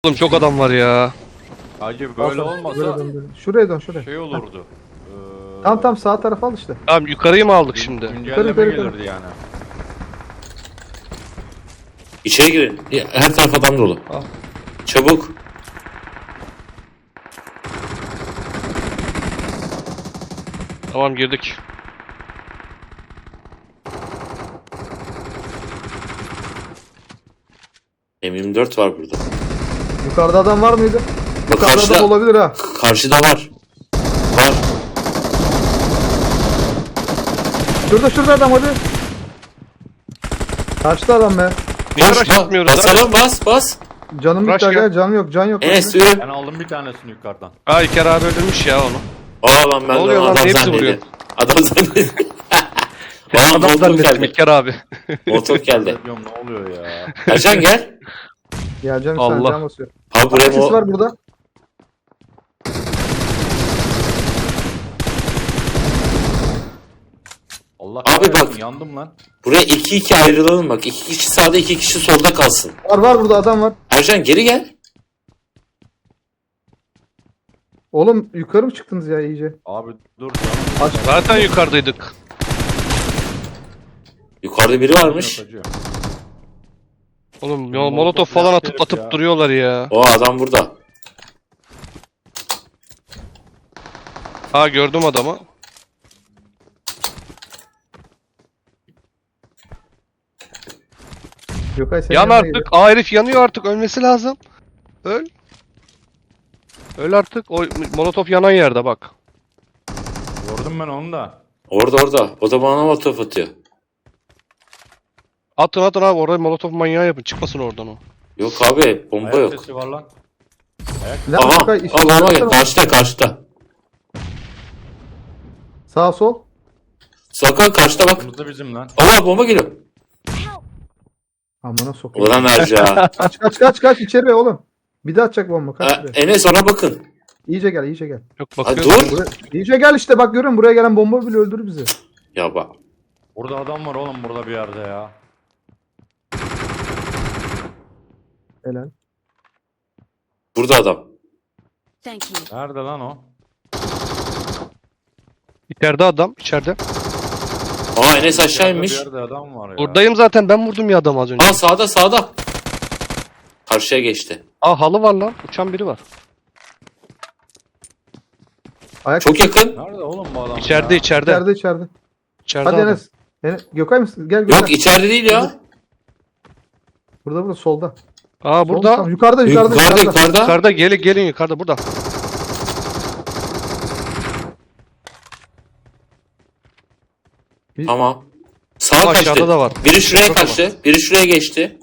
Oğlum çok adam var ya. Hacı böyle olmasa Böyle dön, böyle. Şuraya dön şuraya. şey olurdu. Tam sağ tarafa al işte. Tamam yukarıyı mı aldık şimdi? Güncelleme yukarı. gelirdi yani. İçeri girin. Her taraf adam dolu. Al. Çabuk. Tamam girdik. M24 var burada. Yukarıda adam var mıydı? Bak Yukarıda karşıda, adam olabilir ha. karşıda var. Var. Şurada adam hadi. Kaçtı adam be. Niye Bas, rush atmıyoruz lan? basalım bas. Canım Rush bitti gel. aga, can yok. Enes Hadi. yürü. Ben aldım bir tanesini yukarıdan. Aa İlker abi öldürmüş ya onu. Aa lan ben Ne oluyor lan? adam Hepsi zannediyorum. vuruyor. Adam zannediyorum. Bana Adam motor zannettim geldi. İlker abi. Motor geldi. Diyorum ne oluyor ya? Ercan gel. Geleceğim Allah. sen can basıyor. Abi buraya Ses var burada. Allah Abi kahretsin, bak. yandım lan. Buraya 2-2 ayrılalım bak. 2 kişi sağda 2 kişi solda kalsın. Var burada adam var. Ercan geri gel. Oğlum yukarı mı çıktınız ya iyice? Abi dur canım. Zaten yukarıdaydık. Yukarıda biri varmış. Yok hacı. Oğlum ya Molotof molotof falan yaptı atıp herif ya. duruyorlar ya. O adam burada. Ha gördüm adamı. Gökay sen Yan yanına artık. Aa herif yanıyor artık. Ölmesi lazım. Öl. Öl artık. O molotof yanan yerde bak. Gördüm ben onu da. Orada. O da bana molotof atıyor. Atın abi oraya molotof manyağı yapın. Çıkmasın oradan o. Yok abi bomba Ayak yok. sesi var lan. Lan Aha. Gökay, Aa, bomba gel. Karşıda. Sağ sol. Sakın karşıda bak. Kırmızı bizim lan. Allah bomba geliyor. Amına sokayım. Ulan Ercan. Kaç içeri oğlum. Bir daha atacak bomba kaç şuraya. Enes ona bakın. İyice gel. Yok Ha, bakıyorum. dur. İyice gel işte bak görüyorum buraya gelen bomba bile öldürür bizi. Ya bak. Burada adam var oğlum burada bir yerde ya. Helal. Burada adam. Thank you. Nerede lan o? İçeride adam. İçeride. Aa Enes aşağı Bir inmiş. yerde adam var ya. Buradayım zaten. Ben vurdum ya adamı az önce. Aa sağda. Karşıya geçti. Aa halı var lan. Uçan biri var. Ayak Çok yakın. Nerede oğlum bu adam İçeride ya? içeride. içeride. İçeride Hadi adam. Enes. Gökay mısın? Gel. Yok içeride değil ya. Burada solda. Aa Solda, burada. tamam. Yukarıda. Yukarıda. Yukarıda gelin yukarıda burada. Tamam. Sağa Aşağıda kaçtı. da var. Biri şuraya Çok kaçtı. Biri şuraya geçti.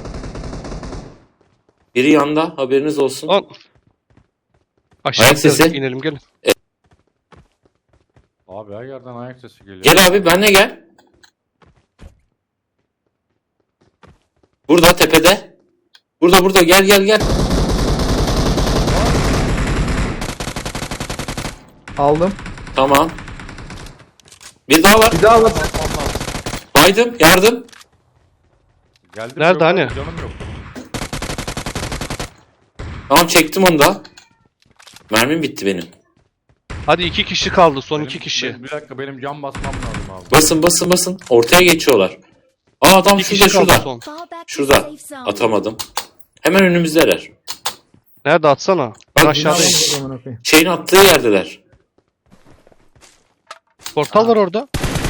Biri yanda. Haberiniz olsun. Lan. Aşağı Ayak sesi. inelim gelin. Abi her yerden ayak sesi geliyor. Gel abi benle gel. Burada tepede. Burada gel. Aldım. Tamam. Bir daha var. Bir daha bak. Baydım. Yardım. Geldim, Nerede yok, hani? Canım yok. Tamam çektim onu da. Mermim bitti benim. Hadi 2 kişi kaldı. Son 2 Benim- kişi. Bir dakika benim cam basmam lazım abi. Basın. Ortaya geçiyorlar. Aa adam 2 kişi kaldı şurada. son. Fall back to Şurada. safe zone. Atamadım. Hemen önümüzdeler. Nerede atsana? Ben Bak, aşağıdayım. Amına koyayım. Şeyin attığı yerdeler. Portal var orada.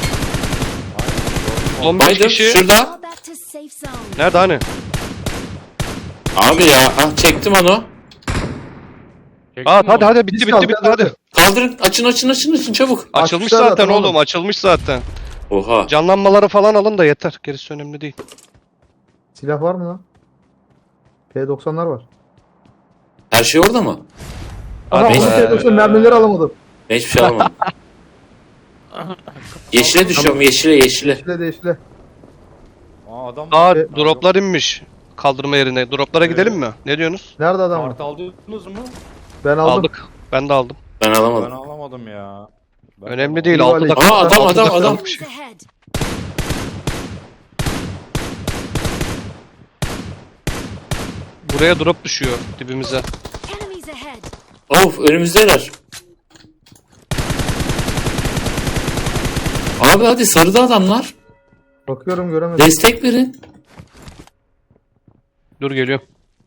15 Baydım. kişi. Şurada. Fall back to safe zone. Nerede hani? Abi ya. Ah, çektim onu. Çektin Aa mi hadi onu? bitti Biz kaldık, hadi. Kaldırın. Açın çabuk. Açılmış Açmışlar zaten oğlum. oğlum. Açılmış zaten. Oha. Canlanmaları falan alın da yeter. Gerisi önemli değil. Silah var mı lan? P90'lar var. Her şey orada mı? Aha Abi, onun P90 mermileri alamadım. Ben hiçbir şey alamadım. Yeşile düşüyorum. Yeşile. Yeşile. Aa adam Aa Şey- droplar inmiş. Kaldırma yerine. Droplara gidelim mi? Ne diyorsunuz? Nerede adam var? Kart aldınız mı? Ben aldım. Aldık. Ben de aldım. Ben Ben alamadım. alamadım ya. Ben Önemli alamadım. değil. İyi 6 vali. dakika. Aa, adam, altı adam, dakika adam. bir şey. Enemies ahead. Buraya drop düşüyor dibimize. Enemies ahead. Of önümüzdeler. Abi hadi sarıda adamlar. Bakıyorum göremedim. Destek verin. Dur geliyor.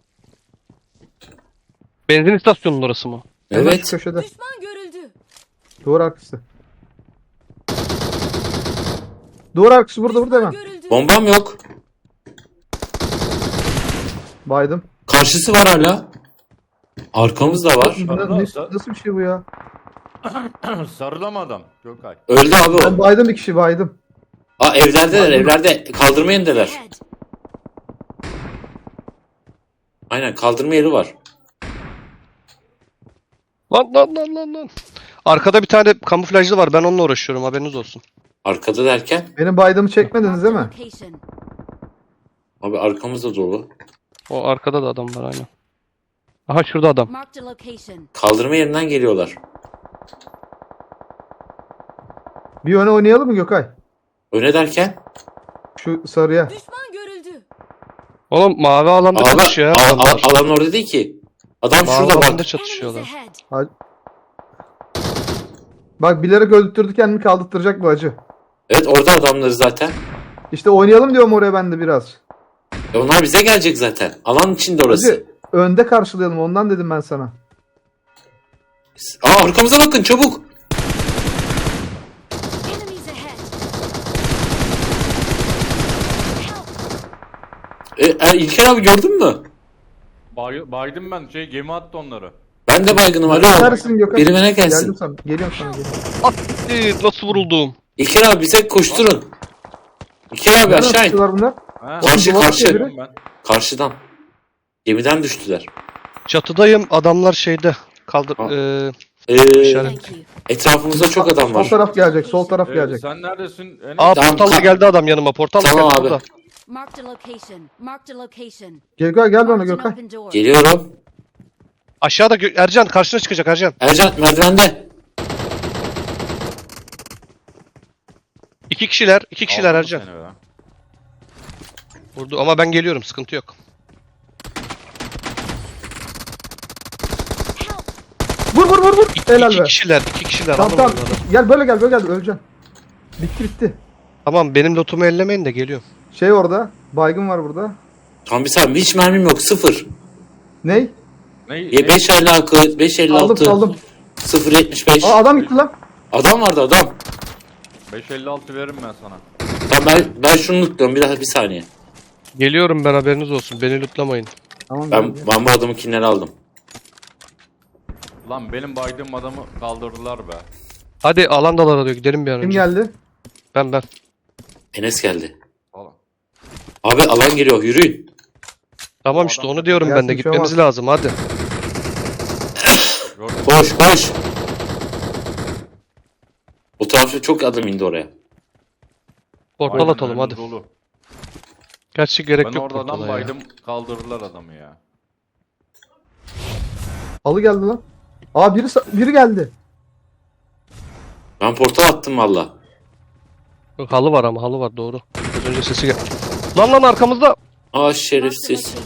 Benzin istasyonunun orası mı? Hemen şu Evet. köşede. Düşman görüldü. Duvar arkası. Duvar arkası burada hemen. Görüldü. Bombam yok. Baydım. Karşısı var hala. Arkamız da var. Nasıl bir şey bu ya? Sarıda mı adam? Gökay. Öldü abi Ben o. baydım bir kişi baydım. Aa evlerdeler evlerde. Kaldırma yerindeler. Ahead. Aynen kaldırma yeri var. Lan. Arkada bir tane kamuflajlı var. Ben onunla uğraşıyorum. Haberiniz olsun. Arkada derken. Benim baydığımı çekmediniz değil mi? Location. Abi arkamız da dolu. O arkada da adam var aynen. Aha şurada adam. Marked a location. Kaldırma yerinden geliyorlar. Bir öne oynayalım mı Gökay? Öne derken. Şu sarıya. Düşman görüldü. Oğlum mavi alanda Abi çatışıyor ya adamlar. alan orada değil ki. Adam Mavi şurada alanda bak. Enemies çatışıyorlar. ahead. Bak bilerek öldürttürdü kendini kaldırtacak bu acı. Evet orada adamları zaten. İşte oynayalım diyorum oraya ben de biraz. Onlar bize gelecek zaten. Alan içinde orası. Hacı, önde karşılayalım ondan dedim ben sana. Aa arkamıza bakın çabuk. Enemies ahead. İlker abi gördün mü? Baydım ben. Gemi attı onları. Ben de baygınım alo. Neredesin Gökay? Biri bana gelsin. Geldim sana. Geliyorum sana. Geliyorum. Nasıl vuruldum? İlker abi bize koşturun. İlker abi Nereden aşağı in. tutuyorlar bunlar? Ha, Karşı Oğlum, karşı. duvar ben. Karşıdan. Gemiden düştüler. Çatıdayım. Adamlar şeyde. Kaldır. Ha. İşaret. Thank you. Etrafımızda çok adam Sol var. taraf gelecek. Sol taraf gelecek. Sen neredesin? Enes? Aa Tamam, portalla geldi adam yanıma. Portalla Tamam geldi abi. burada. Marked a location. Marked a location. Gökay gel bana Marked an Gökay. open door. Geliyorum. Aşağıda Ercan karşına çıkacak Ercan. Ercan merdivende. İki kişiler. İki kişiler Aldım Ercan. seni be. Vurdu ama ben geliyorum. Sıkıntı yok. Vur. Helal İki be. kişiler. İki kişiler. Tamam Anlamadım tamam. adam. Gel böyle gel öleceksin. Bitti. Tamam benim lotumu ellemeyin de geliyorum. Şey orada. Baygın var burada. Tam bir saniye hiç mermim yok. 0. Ney? Ne? 5.56 5.56 Aldım. 0.75. Aa adam gitti lan. Adam vardı adam. 556 veririm ben sana. Tamam ben şunu lootluyorum bir saniye. Geliyorum ben haberiniz olsun. Beni lootlamayın. Tamam. Ben bu adamın kinleri aldım. Lan benim baydığım adamı kaldırdılar be. Hadi alandalar diyor. Gidelim bir an Kim önce. geldi? Ben. Enes geldi. Falan. Abi alan geliyor yürüyün. Tamam O işte adam onu diyorum ben gelsin, de. bir şey Gitmemiz olmaz. lazım hadi. Gördün mü? Koş. O tarafta çok adam indi oraya. Portal Aynen, atalım hadi. önümüz dolu. Gerçi gerek Ben yok orada adam portala ya. baydım kaldırdılar adamı ya. Halı geldi lan. Aa biri geldi. Ben portal attım valla. Yok, halı var ama halı var doğru. Az önce sesi gel. Lan arkamızda. Aa Marked a şerefsiz. location.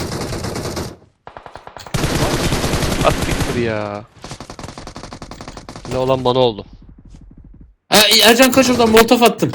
At siktir ya. Ne olan bana oldu. Ha Ercan kaç oradan molotof attım.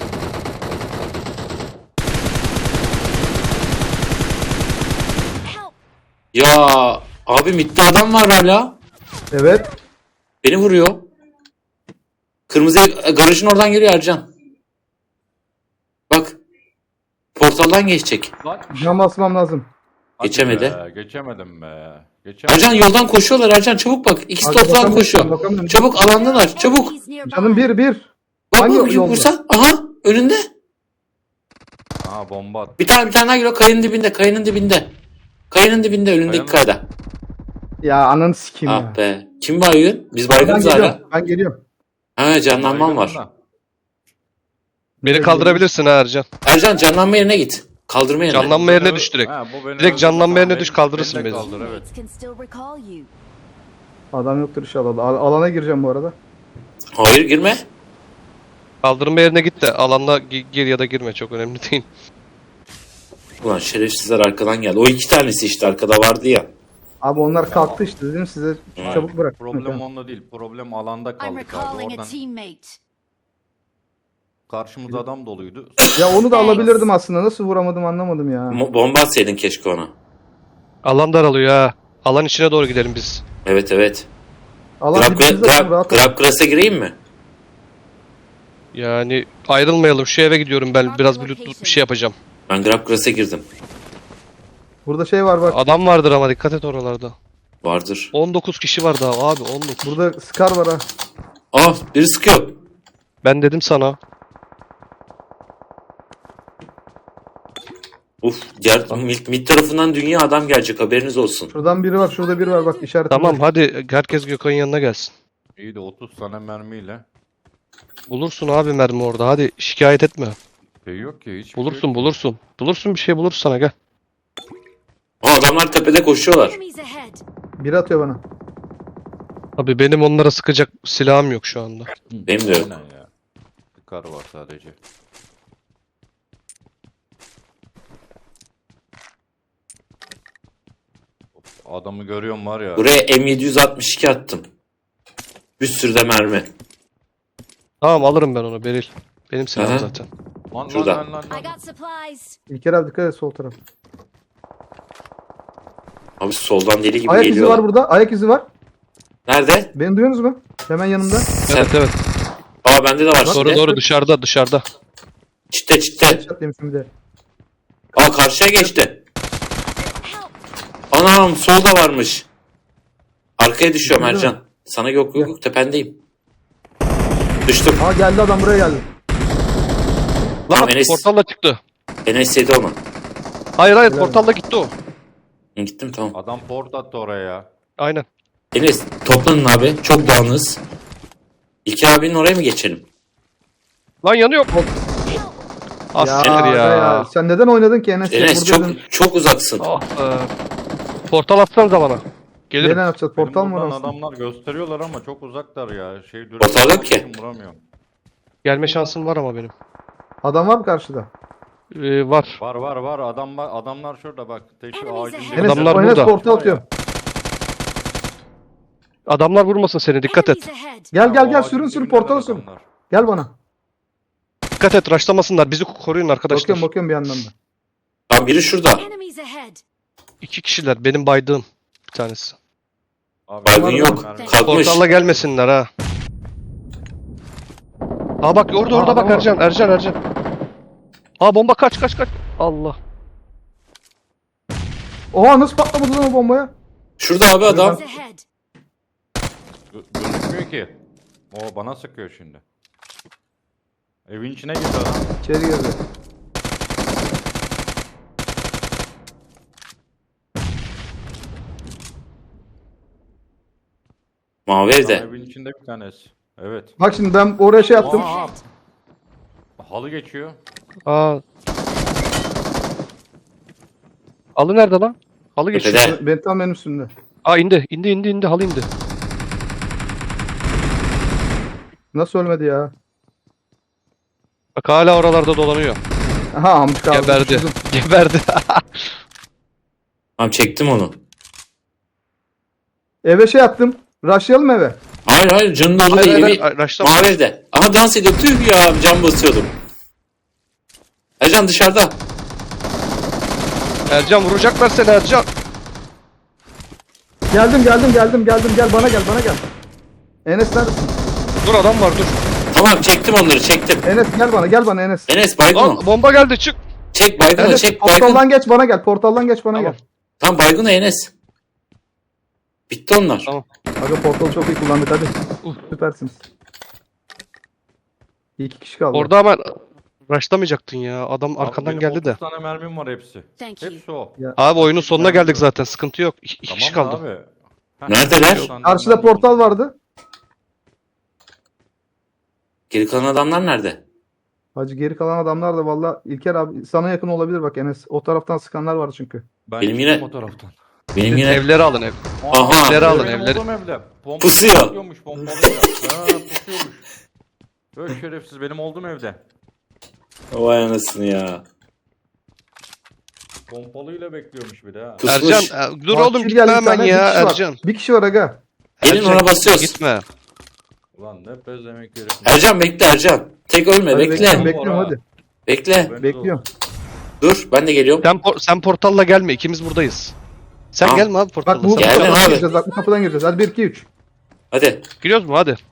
Help. Ya abi mitte adam var hala. Evet. Beni vuruyor. Kırmızı garajın oradan geliyor Ercan. Bak. Portaldan geçecek. Lan. Cam basmam lazım. hadi Geçemedi. be, geçemedim be. Geçemedim. Ercan yoldan koşuyorlar Ercan çabuk bak. İkisi Abi, de ortadan bakamıyorum, koşuyor. bakamıyorum. Çabuk alandalar çabuk. Enemies nearby. Canım bir. Bak Hangi bak yolda? vursa. Aha önünde. Aa bomba at. Bir tane daha geliyor kayanın dibinde kayanın dibinde. Kayanın dibinde önündeki Kayanın- kayada. Ya ananı sikeyim ya. Ah be. Kim baygın? Biz Ben baygınız hala. geliyorum. Ben geliyorum. Ha canlanmam var. Baygınım da. Beni kaldırabilirsin ha Ercan. Ercan canlanma yerine git. Kaldırma yerine. Canlanma yerine Beni- düş direkt. Ha, bu beni Direkt canlanma öldürdü. yerine Beni- düş, kaldırırsın beni de beni. kaldır, evet. Teammates can still recall you. Adam yoktur inşallah. Alana gireceğim bu arada. Hayır girme. Kaldırma yerine git de alanda gir ya da girme çok önemli değil. Ulan şerefsizler arkadan geldi. O iki tanesi işte arkada vardı ya. Abi onlar kalktı işte dedim size Evet. çabuk bırak. Problem onda değil. Problem alanda I'm kaldık abi. recalling a Oradan teammate. karşımızda adam doluydu. Ya onu da alabilirdim aslında. Nasıl vuramadım anlamadım ya. Bomba atsaydın keşke ona. Alan daralıyor ha. Alan içine doğru gidelim biz. Evet evet. Allah dibimizde rahat ol. Grabgras'a gireyim mi? Yani ayrılmayalım. Şu eve gidiyorum ben. Biraz bir loot bir şey yapacağım. Ben Grabgras'a girdim. Burada şey var bak. Adam vardır ama dikkat et oralarda. Vardır. 19 kişi var daha abi 19. Burada Scar var ha. Ah biri sıkıyor. Ben dedim sana. Mid tarafından dünya adam gelecek haberiniz olsun. Şuradan biri var. Şurada biri var bak işaret. Tamam hadi herkes Gökhan'ın yanına gelsin. İyi de 30 tane mermiyle. Bulursun abi mermi orada hadi şikayet etme. Şey yok ki hiç. Bulursun bulursun. Bulursun bir şey buluruz sana gel. Adamlar tepede koşuyorlar. Enemies ahead. Biri atıyor bana. Abi benim onlara sıkacak silahım yok şu anda. Benim de yok. Aynen ya. Kar var sadece. Adamı görüyorum var ya. Buraya M762 attım. Bir sürü de mermi. Tamam alırım ben onu Beril. Benim silahım Aha. zaten. Lan Şurada. lan. I got supplies. İlker abi dikkat et sol taraf. Abi soldan deli gibi Ayak izi geliyorlar. var burada. Ayak izi var. Nerede? Beni duyuyorsunuz mu? Hemen yanımda. Evet evet. Aa bende de var Doğru şimdi. doğru dışarıda. Çitte. Headshot bir de. Aa karşıya geçti. Help. Anam solda varmış. Arkaya düşüyorum Değil mi? Ercan. Sana yok tependeyim. Düştüm. Aa geldi adam buraya geldi. Lan Tamam, Enes. portalla çıktı. Enes yedi onu. Hayır Helal portalla gitti o. Gittim tamam. Adam port attı oraya ya. Aynen. Enes toplanın abi. Çok dağınız. İlker abinin oraya mı geçelim? Lan yanıyor. Ah siktir ya. Sen neden oynadın ki Enes? Enes Buradaydın. çok uzaksın. Ah be. Portal atsanıza bana. Gelirim. Neden yapacağız? Portal mı var Benim aslında? buradan adamlar gösteriyorlar ama çok uzaklar ya. Portal yok ki. Vuramıyorum. Gelme şansım var ama benim. Adam var mı karşıda? Var. Var. Adamlar şurada bak. Teşi Enemies ağacın ahead. Enes, Adamlar Enes burada. portal atıyorum. Adamlar vurmasın seni dikkat et. Enemies ahead. Gel sürün portala sürün. Gel bana. Dikkat et raşlamasınlar. Bizi koruyun arkadaşlar. Bakıyorum bir yandan da. Tam biri şurada. Enemies ahead. 2 kişiler. Benim baydığım bir tanesi. Baygın yok. Kalkmış. Portalla gelmesinler ha. Aa bak orada Aa, bak adam var. Ercan. Aa bomba kaç. Allah. Oha nasıl patlamadı lan o bombaya? Şurada abi adam. Enemies ahead. Gözükmüyor ki. O bana sıkıyor şimdi. Evin içine girdi adam. İçeri girdi. Mavi Adam evde. evin içinde bir tanesi. Evet. Bak şimdi ben oraya şey yaptım. Aa, halı geçiyor. Aa. Halı nerede lan? Halı geçiyor. Tepede. Ben tam benim üstümde. Aa indi. Halı indi. Nasıl ölmedi ya? Bak hala oralarda dolanıyor. Aha amcık aldı. Geberdi. Düşürdüm. Geberdi. Tamam çektim onu. Eve şey yaptım. Rushlayalım eve. Hayır canın dolu değil. Evi Raşlama. mavi evde. Aha dans ediyor. Tüh ya can basıyordum. Ercan dışarıda. Ercan vuracaklar seni Ercan. Geldim. Gel bana gel. Enes neredesin? Dur adam var dur. Tamam çektim onları çektim. Enes gel bana Enes. Enes baygın Lan o. bomba geldi çık. Çek baygın o Enes çek baygın. portaldan geç bana gel. Tamam. Gel. Tamam baygın o Enes. Bitti onlar. Tamam. Aga portalı çok iyi kullandık hadi. Süpersiniz. 2 kişi kaldı. Orada ama raşlamayacaktın ya. Adam Abi arkandan benim geldi de. 30 tane mermim var hepsi. Thank you. Hepsi o. Abi oyunun sonuna geldik zaten. Sıkıntı yok. İki kişi Tamam kaldı. da abi. Heh, Neredeler? 30 tane Karşıda mermim portal vardı. Geri kalan adamlar nerede? Hacı geri kalan adamlar da valla İlker abi sana yakın olabilir bak Enes. O taraftan sıkanlar var çünkü. Ben Benim çıktım yine- o taraftan. Benim yine Evleri alın ev. Aha. Evleri alın Benim evleri. olduğum evde. Bomba Pusuyor. pusuyormuş, bombalıyor. Ha pusuyormuş. Böyle şerefsiz benim olduğum evde. vay anasını ya. Pompalıyla bekliyormuş bir de ha. Pusmuş. Ercan dur Bak, oğlum bir gitme geldi bir hemen tane, ya bir kişi var. Ercan. Bir kişi var aga. Gelin Ercan, ona basıyoruz. Gitme. Ulan ne pezemek herif. Ercan bekle Ercan. Tek ölme Hadi bekle. bekliyorum, Bekle. bekliyorum hadi. Bekle. Ben de Bekliyorum. Dur ben de geliyorum. Sen portalla gelme ikimiz buradayız. Sen Tamam. gelme abi Bak portalla. bu Sen- Geldim kapıdan abi. gireceğiz. Bak bu kapıdan gireceğiz. Hadi 1 2 3. Hadi. Giriyoruz mu hadi.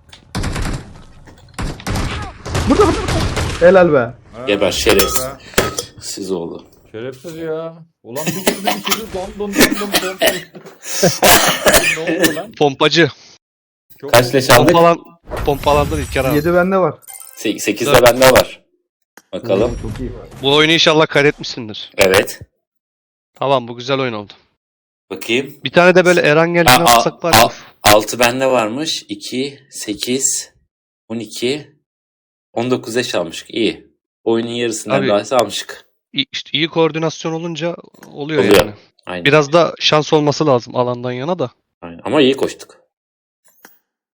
Burada. Helal be. Ha, Geber şerefsiz. be. Siz oldu. Şerefsiz ya. Ulan bir girdi don don don. Ne oldu lan? Pompacı. Çok Kaç leş aldık? Pompalandır İlker abi. 7 bende var. 8 de bende var. Bakalım. Çok iyi. Bu oyunu inşallah kaydetmişsindir. Evet. Tamam bu güzel oyun oldu. Bakayım. Bir tane de böyle Erangel'ini Ha, alsak var ya. 6 bende varmış. 2, 8, 12, 19 leş almışık. İyi. Oyunun yarısından Abi- daha almışık. İşte iyi koordinasyon olunca oluyor Oluyor. yani. Aynen. Biraz da şans olması lazım alandan yana da. Aynen. Ama iyi koştuk.